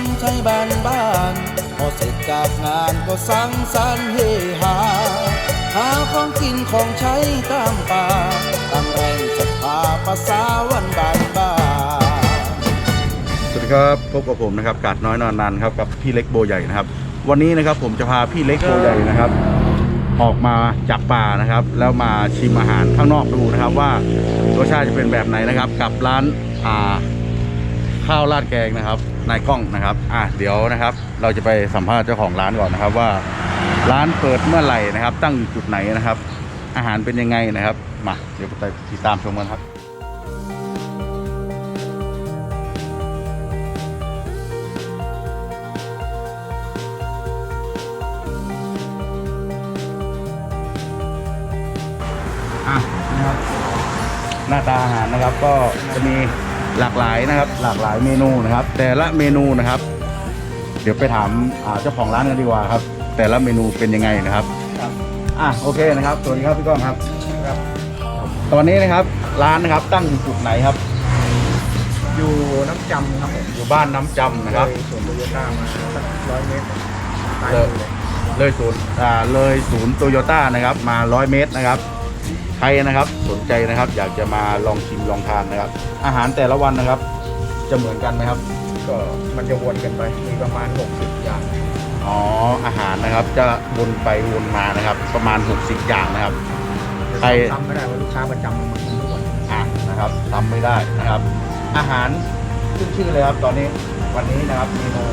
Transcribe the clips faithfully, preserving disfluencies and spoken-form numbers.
ใช้บ้านบ้านพอเสร็จจากงานก็สังสรรค์เฮฮาหาของกินของใช้ตามป่าตามแรงศรัทธาภาษาวันบ้านบ้านสวัสดีครับพบกับผมนะครับกาดน้อยนอนนานครับกับพี่เล็กโบใหญ่นะครับวันนี้นะครับผมจะพาพี่เล็กโบใหญ่นะครับออกมาจากป่านะครับแล้วมาชิมอาหารข้างนอกดูนะครับว่ารสชาติจะเป็นแบบไหนนะครับกับร้านอ่าข้าวราดแกงนะครับนายกล้องนะครับอ่ะเดี๋ยวนะครับเราจะไปสัมภาษณ์เจ้าของร้านก่อนนะครับว่าร้านเปิดเมื่อไหร่นะครับตั้งอยู่จุดไหนนะครับอาหารเป็นยังไงนะครับมาเดี๋ยวไปติดตามชมกันครับอ่ะนะครับหน้าตาอาหารนะครับก็จะมีหลากหลายนะครับหลากหลายเมนูนะครับแต่ละเมนูนะครับเดี๋ยวไปถามเจ้าของร้านกันดีกว่าครับแต่ละเมนูเป็นยังไงนะครับอ่ะโอเคนะครับสวัสดีครับพี่ก้องครับตอนนี้นะครับร้านนะครับตั้งอยู่จุดไหนครับอยู่น้ำจำครับผมอยู่บ้านน้ำจำนะครับเลยศูนย์โตโยต้ามาสักร้อยเมตรเลยเลยศูนย์อ่าเลยศูนย์โตโยต้านะครับมาร้อยเมตรนะครับใครนะครับสนใจนะครับอยากจะมาลองชิมลองทานนะครับอาหารแต่ละวันนะครับจะเหมือนกันไหมครับก็มันจะวนกันไปมีประมาณหกสิบอย่างอ๋ออาหารนะครับจะวนไปวนมานะครับประมาณหกสิบอย่างนะครับใครทำไม่ได้ว่าลูกค้าประจำมันทุกวันอ่ะนะครับทำไม่ได้นะครับอาหารขึ้นชื่อเลยครับตอนนี้วันนี้นะครับเมนู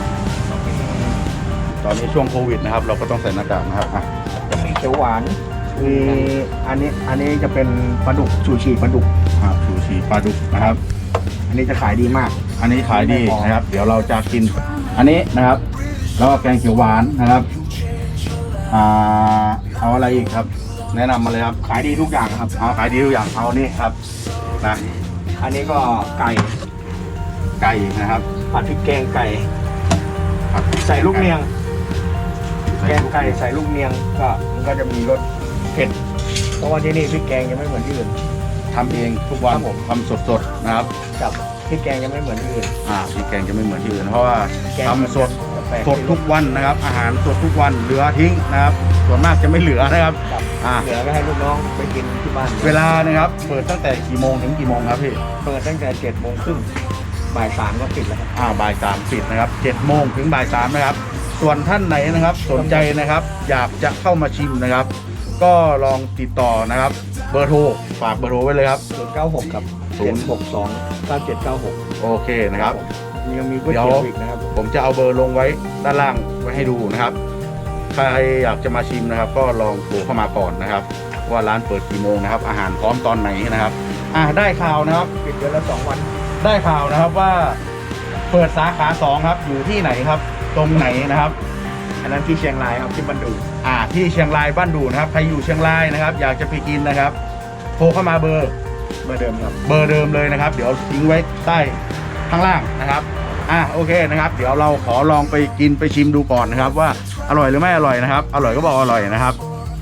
ตอนนี้ช่วงโควิดนะครับเราก็ต้องใส่หน้ากากนะครับอ่ะจะมีเขียวหวานมีอันนี้อันนี้จะเป็นปลาดุกชูชีปลาดุกครับชูชีปลาดุกนะครับอันนี้จะขายดีมากอันนี้ขายดีนะครับเดี๋ยวเราจะกินอันนี้นะครับแล้วก็แกงเขียวหวานนะครับอ่าเอาอะไรอีกครับแนะนำมาเลยครับขายดีทุกอย่างครับเอาขายดีทุกอย่างเอานี่ครับนะอันนี้ก็ไก่ไก่นะครับผัดพริกแกงไก่ใส่ลูกเนียงแกงไก่ใส่ลูกเนียงก็มันก็จะมีรสเผ็ดเพราะว่าที่นี่พริกแกงยังไม่เหมือนที่อื่นทำเองทุกวันผมทำสดๆนะครับกับพริกแกงยังไม่เหมือนที่อื่นอ่าพริกแกงจะไม่เหมือนที่อื่นเพราะว่าทำสดสดทุกวันนะครับอาหารสดทุกวันเหลือทิ้งนะครับส่วนมากจะไม่เหลือนะครับอ่าเหลือก็ให้ลูกน้องไปกินที่บ้านเวลานะครับเปิดตั้งแต่กี่โมงถึงกี่โมงครับพี่เปิดตั้งแต่เจ็ดโมงครึ่งบ่ายสามก็ปิดแล้วครับอ่าบ่ายสามปิดนะครับเจ็ดโมงถึงบ่ายสามนะครับส่วนท่านไหนนะครับสนใจนะครับอยากจะเข้ามาชิมนะครับก็ลองติดต่อนะครับเบอร์โทรฝากเบอร์โทรไว้เลยครับศูนย์เก้าหกครับศูนย์หกสองเก้าเจ็ดเก้าหกโอเคนะครับยังมีก๋วยเตี๋ยวอีกนะครับผมจะเอาเบอร์ลงไว้ด้านล่างไว้ให้ดูนะครับใครอยากจะมาชิมนะครับก็ลองโทรเข้ามาก่อนนะครับว่าร้านเปิดกี่โมงนะครับอาหารพร้อมตอนไหนนะครับอ่าได้ข่าวนะครับปิดเดือนละสองวันได้ข่าวนะครับว่าเปิดสาขาสองครับอยู่ที่ไหนครับตรงไหนนะครับอันนั้นที่เชียงรายครับที่บ้านดูอ่าที่เชียงรายบ้านดูนะครับใครอยู่เชียงรายนะครับอยากจะไปกินนะครับโทรเข้ามาเบอร์เบอร์เดิมครับเบอร์เดิมเลยนะครับเดี๋ยวทิ้งไว้ใต้ข้างล่างนะครับอ่ะโอเคนะครับเดี๋ยวเราขอลองไปกินไปชิมดูก่อนนะครับว่าอร่อยหรือไม่อร่อยนะครับอร่อยก็บอกอร่อยนะครับ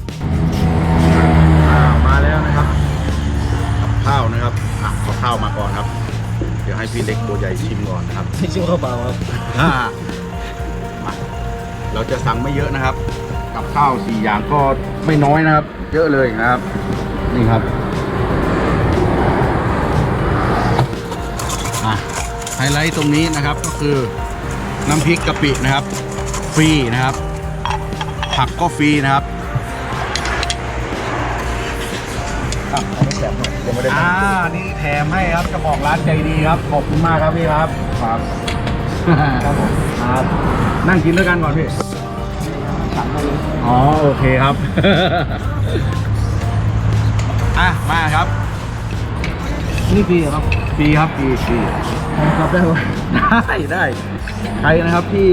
อ้าวมาแล้วนะครับข้าวนะครับอ่ะขอข้าวมาก่อนครับเดี๋ยวให้พี่เล็กตัวใหญ่ชิมก่อนนะครับชิมข้าวเปล่าครับอ่ามาเราจะสั่งไม่เยอะนะครับกับข้าวสี่อย่างก็ไม่น้อยนะครับเยอะเลยนะครับนี่ครับอ่ะไฮไลท์ตรงนี้นะครับก็คือน้ำพริกกะปินะครับฟรีนะครับผักก็ฟรีนะครับอ่ะเอาไม่แถมหน่อยยังไม่ได้อ่านี่แถมให้ครับเจ้าของร้านใจดีครับขอบคุณมากครับพี่ครับครับครับผมครับนั่งกินด้วยกันก่อนพี่สั่งมาเลยอ๋อโอเคครับอ่ะมาครับนี่ฟรีครับฟรีครับฟรีฟรีครับได้ไหมได้ได้ใครนะครับที่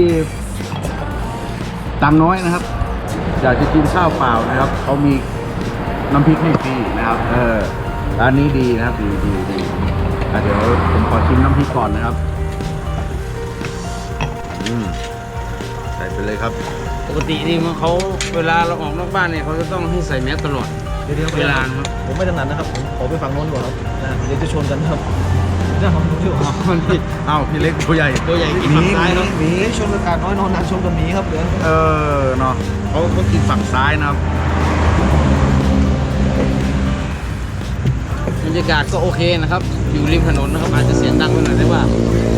ตังน้อยนะครับอยากจะกินข้าวเปล่านะครับเขามีน้ำพริกให้ฟรีนะครับเออร้านนี้ดีนะครับดีดีดีเดี๋ยวผมขอชิมน้ำพริกก่อนนะครับอืมใส่ไปเลยครับปกตินี่มันเขาเวลาเราออกนอกบ้านเนี่ยเขาจะต้องให้ใส่แมสตลอดเวลาครับผมไม่ถนัดนะครับผมขอไปฝั่งโน้นก่อนครับเดี๋ยวจะชนกันครับเจ้าของผมอยู่เอ้าพี่เล็กตัวใหญ่ตัวใหญ่กินฝั่งซ้ายเนาะหมีชมอากาศน้อยนอนนานชมกับหมีครับเหลือเออเนาะเขาเขากินฝั่งซ้ายนะครับบรรยากาศก็โอเคนะครับ อยู่ริมถนนนะครับอาจจะเสียงดังไปหน่อยได้ว่า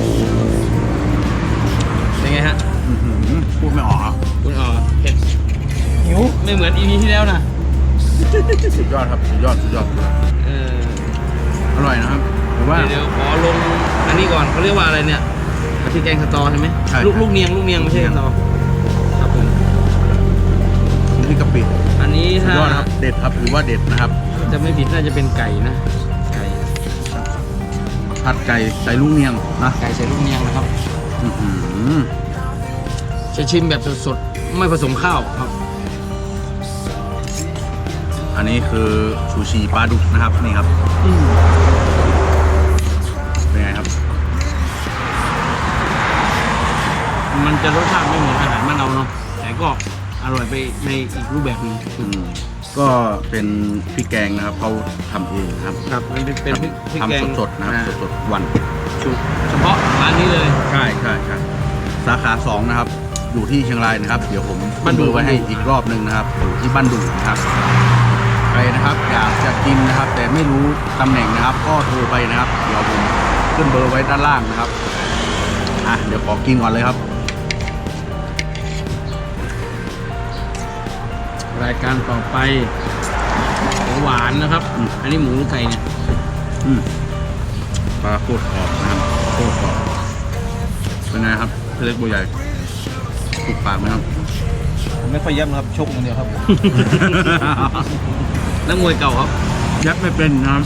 เป็นไงฮะอื้อหือพูดไม่ออกครับคุณอ๋อเผ็ดหิวไม่เหมือนอีพีที่แล้วนะสุดยอดครับสุดยอดสุดยอดเอออร่อยนะครับผมว่าเดี๋ยวขอลงอันนี้ก่อนเขาเรียกว่าอะไรเนี่ยกะทิแกงสตอใช่ไหมใช่ลูกลูกเนียงลูกเนียงไม่ใช่สตอครับผมน้ำพริกกะปิอันนี้สุดถ้ายอดครับเด็ดครับถือว่าเด็ดนะครับจะไม่ผิดน่าจะเป็นไก่นะไก่ผัดไก่ใส่ลูกเนียงนะไก่ใส่ลูกเนียงนะครับอื้อหือจะชิมแบบสดๆไม่ผสมข้าวครับอันนี้คือชูชีปลาดุกนะครับนี่ครับเป็นไงครับมันจะรสชาติไม่เหมือนอาหารบ้านเราเนาะแต่ก็อร่อยไปในอีกรูปแบบหนึงอืมก็เป็นพริกแกงนะครับเขาทำเองนะครับครับมันเป็นเป็นพริกพริกแกงทำสดๆนะครับอ่าสดๆวันเฉพาะร้านนี้เลยใช่ใช่ใช่สาขาสองนะครับ อยู่ที่เชียงรายนะครับ เดี๋ยวผมบ้านดุเบอร์ไว้ให้อีกรอบหนึ่งนะครับอยู่ที่บ้านดุนะครับใครนะครับอยากจะกินนะครับ แต่ไม่รู้ตำแหน่งนะครับ ก็โทรไปนะครับ เดี๋ยวผมขึ้นเบอร์ไว้ด้านล่างนะครับอ่ะเดี๋ยวขอกินก่อนเลยครับรายการต่อไปของหวานนะครับอืมอันนี้หมูหรือไก่เนี่ยอืมปลาโคตรกรอบนะครับโคตรกรอบเป็นไงครับพี่เล็กบัวใหญ่ถูกปากไหมครับไม่ค่อยย่ำครับชกอย่างเดียวครับนักมวยเก่าครับยัดไม่เป็นนะครับ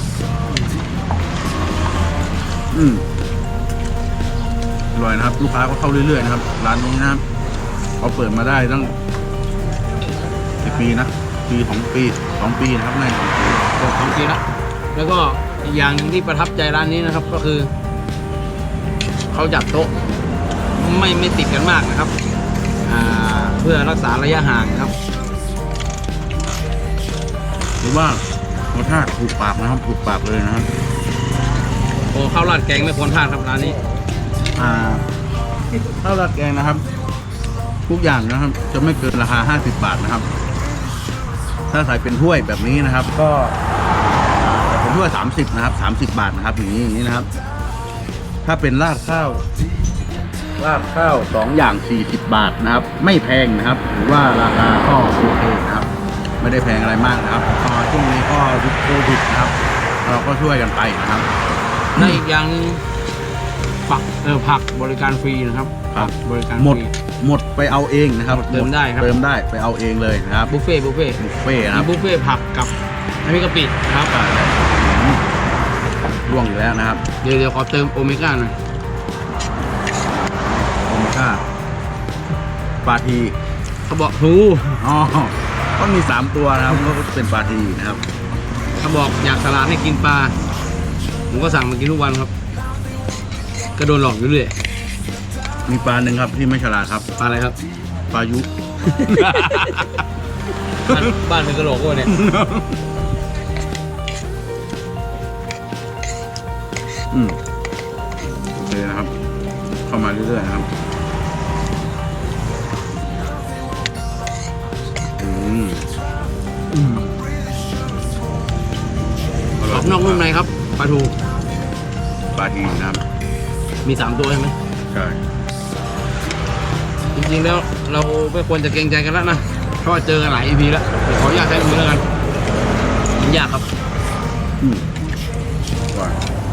อืมอร่อยนะครับ ลูกค้าก็เข้าเรื่อยๆนะครับร้านนี้นะครับเขาเปิดมาได้ตั้งกี่ปีนะปีสองปีสองปีนะครับในสองปีบอกสองปีละแล้วก็อีกอย่างหนึงที่ประทับใจร้านนี้นะครับ ก็คือเขาจัดโต๊ะไม่ไม่ติดกันมากนะครับอ่าเพื่อรักษาระยะห่างนะครับหรือว่ารสชาติถูกปากนะครับถูกปากเลยนะครับโอ้ข้าวราดแกงไม่ควรพลาดครับร้านนี้อ่าข้าวราดแกงนะครับ ทุกอย่างนะครับ จะไม่เกินราคาห้าสิบบาทนะครับ ถ้าใส่เป็นถ้วยแบบนี้นะครับ ก็ใส่เป็นถ้วยสามสิบนะครับสามสิบบาทนะครับอย่างนี้อย่างนี้นะครับ ถ้าเป็นราดข้าวราดข้าวสองอย่างสี่สิบบาทนะครับ ไม่แพงนะครับหรือว่าราคาก็โอเคนะครับ ไม่ได้แพงอะไรมากนะครับก็ช่วงนี้ก็ยุคโควิดนะครับ เราก็ช่วยกันไปนะครับและอีกอย่างหนึงผักเออผักบริการฟรีนะครับครับบริการหมดฟรีหมดไปเอาเองนะครับเติมได้ครับเติมได้ไปเอาเองเลยนะครับบุฟเฟ่ต์บุฟเฟ่ต์บุฟเฟ่ต์นะครับมีบุฟเฟ่ต์ผักกับน้ำพริกกะปินะครับร่วงอยู่แล้วนะครับเดี๋ยวเดี๋ยวขอเติมโอเมก้าหน่อยโอเมก้าปลาทีเขาบอกหูอ๋อก็มีสามตัวนะครับก็เป็นปลาทีนะครับเขาบอกอยากสลัดให้กินปลาผมก็สั่งมากินทุกวันครับ ก็โดนหลอกอยู่เรื่อยมีปลาหนึ่งครับที่ไม่ฉลาดครับปลาอะไรครับปลายุบ้านบ้านเป็นกระโหลกวะเนี่ยอืมโอเคนะครับ เข้ามาเรื่อยๆนะครับอืมอืมกรอบนอกนุ่มในครับปลาทูปลาทีนะครับมีสามตัวใช่ไหมใช่จริงๆแล้วเราไม่ควรจะเกรงใจกันแล้วนะเพราะว่าเจอกันหลาย อี พี แล้วเดี๋ยวขออนุญาตใช้มือแล้วกันมันยากครับอืมว่า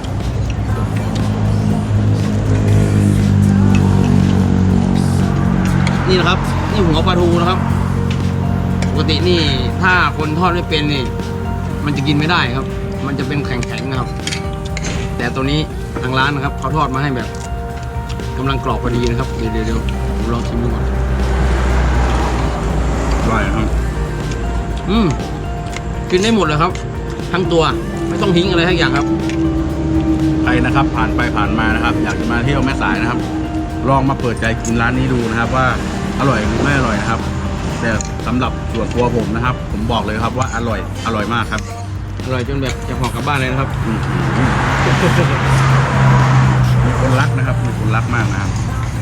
นี่นะครับ นี่หัวปลาทูนะครับ ปกตินี่ถ้าคนทอดไม่เป็นนี่ มันจะกินไม่ได้ครับ มันจะเป็นแข็งๆนะครับ แต่ตัวนี้ทางร้านนะครับเขาทอดมาให้แบบกำลังกรอบพอดีนะครับเดี๋ยวเดี๋ยวเดี๋ยวผมลองชิมดูก่อนอร่อยนะครับอืมกินได้หมดเลยครับ ทั้งตัวไม่ต้องทิ้งอะไรทั้งอย่างครับใครนะครับผ่านไปผ่านมานะครับ อยากจะมาเที่ยวแม่สายนะครับ ลองมาเปิดใจกินร้านนี้ดูนะครับ ว่าอร่อยหรือไม่อร่อยนะครับ แต่สำหรับส่วนตัวผมนะครับ ผมบอกเลยครับว่าอร่อยอร่อยมากครับอร่อยจนแบบจะห่อกลับบ้านเลยนะครับอืมคนรักนะครับมีคนรักมากนะครับ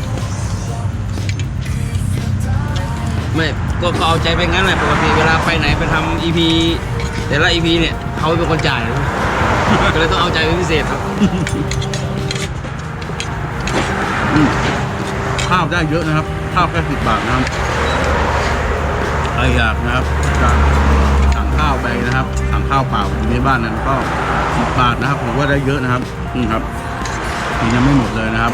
ไม่ก็ก็เอาใจไปงั้นแหละปกติเวลาไปไหนไปทำอีพีแต่ละอีพีเนี่ยเขาเป็นคนจ่าย ก็เลยต้องเอาใจเป็นพิเศษครับข้าวได้เยอะนะครับ ข้าวแค่สิบบาทนะครับใครอยากนะครับจะสั่งข้าวไปนะครับสั่งข้าวเปล่าอยู่ในบ้านนั้นก็สิบบาทนะครับผมว่าได้เยอะนะครับนี่ครับนี่ยังไม่หมดเลยนะครับ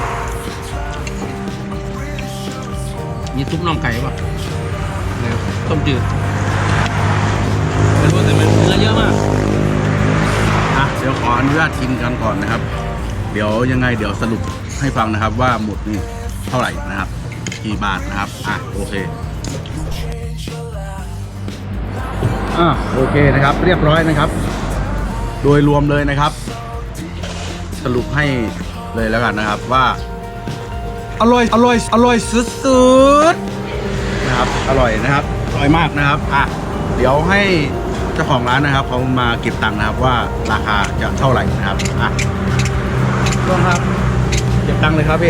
มีซุปน่องไก่ป่ะเนี่ยต้มจืดไม่รู้แต่มันเนื้อเยอะมากอ่ะเดี๋ยวขออนุญาตกินกันก่อนนะครับ เดี๋ยวยังไงเดี๋ยวสรุปให้ฟังนะครับว่าหมดนี่เท่าไหร่นะครับกี่บาทนะครับอ่ะโอเคอ่ะโอเคนะครับ เรียบร้อยนะครับ โดยรวมเลยนะครับ สรุปให้เลยแล้วกันนะครับว่า อร่อยอร่อยอร่อยสุดๆนะครับอร่อยนะครับอร่อยมากนะครับอ่ะเดี๋ยวให้เจ้าของร้านนะครับเขามาเก็บตังค์นะครับว่าราคาจะเท่าไหร่นะครับอ่ะต้นครับเก็บตังค์เลยครับพี่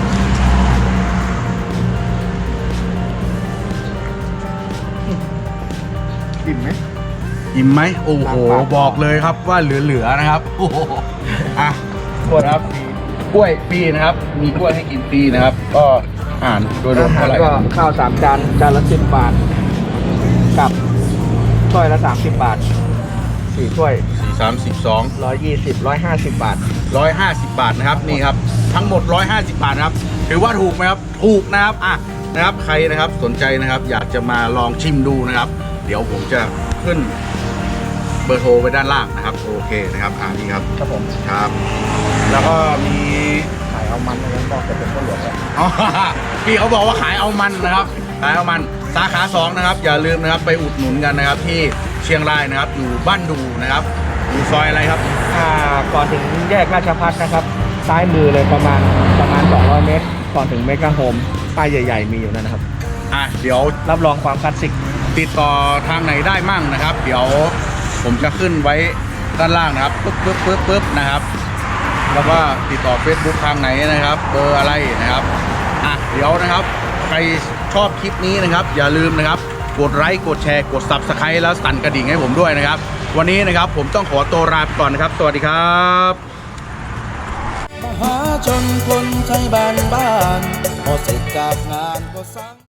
อิ่มไหมอิ่มไหมโอ้โหบอกเลยครับว่าเหลือๆนะครับโอ้โหอ่ะกดครับกล้วยฟรีนะครับ มีกล้วยให้กินฟรีนะครับ ก็อ่านโดยรวมอาหารเท่าไหร่ก็ข้าวสามจานจานละสิบบาท กับถ้วยละสามสิบบาทสี่ถ้วยสี่สามสิบสองร้อยยี่สิบร้อยห้าสิบบาทร้อยห้าสิบบาทนะครับนี่ครับทั้งหมดร้อยห้าสิบบาทนะครับถือว่าถูกไหมครับถูกนะครับอ่ะนะครับใครนะครับสนใจนะครับ อยากจะมาลองชิมดูนะครับ เดี๋ยวผมจะขึ้นเบอร์โทรไว้ด้านล่างนะครับโอเคนะครับอ่านี่ครับครับผมครับ แล้วก็มีขายเอามันนะครับบอกจะเป็นข้าวหลวงแล้วอ๋อ พี่เขาบอกว่าขายเอามันนะครับขายเอามันสาขาสองนะครับอย่าลืมนะครับไปอุดหนุนกันนะครับ ที่เชียงรายนะครับอยู่บ้านดูนะครับอยู่ซอยอะไรครับอ่าก่อนถึงแยกราชพัฒนะครับ ซ้ายมือเลยประมาณประมาณสองร้อยเมตร ก่อนถึงเมกะโฮมป้ายใหญ่ ๆ มีอยู่นั่นนะครับอ่ะเดี๋ยวรับรองความคลาสสิกติดต่อทางไหนได้มั่งนะครับ เดี๋ยวผมจะขึ้นไว้ด้านล่างนะครับปึ๊บปึ๊บปึ๊บปึ๊บนะครับ แล้วก็ติดต่อ Facebook ทางไหนนะครับ เบอร์อะไรนะครับอ่ะเดี๋ยวนะครับ ใครชอบคลิปนี้นะครับ อย่าลืมนะครับ กดไลค์กดแชร์กด ซับสไครบ์ แล้วสั่นกระดิ่งให้ผมด้วยนะครับ วันนี้นะครับผมต้องขอตัวลาไปก่อนนะครับ สวัสดีครับมหาชนคนใช้บ้านบ้านพอเสร็จจากงานก็สั่ง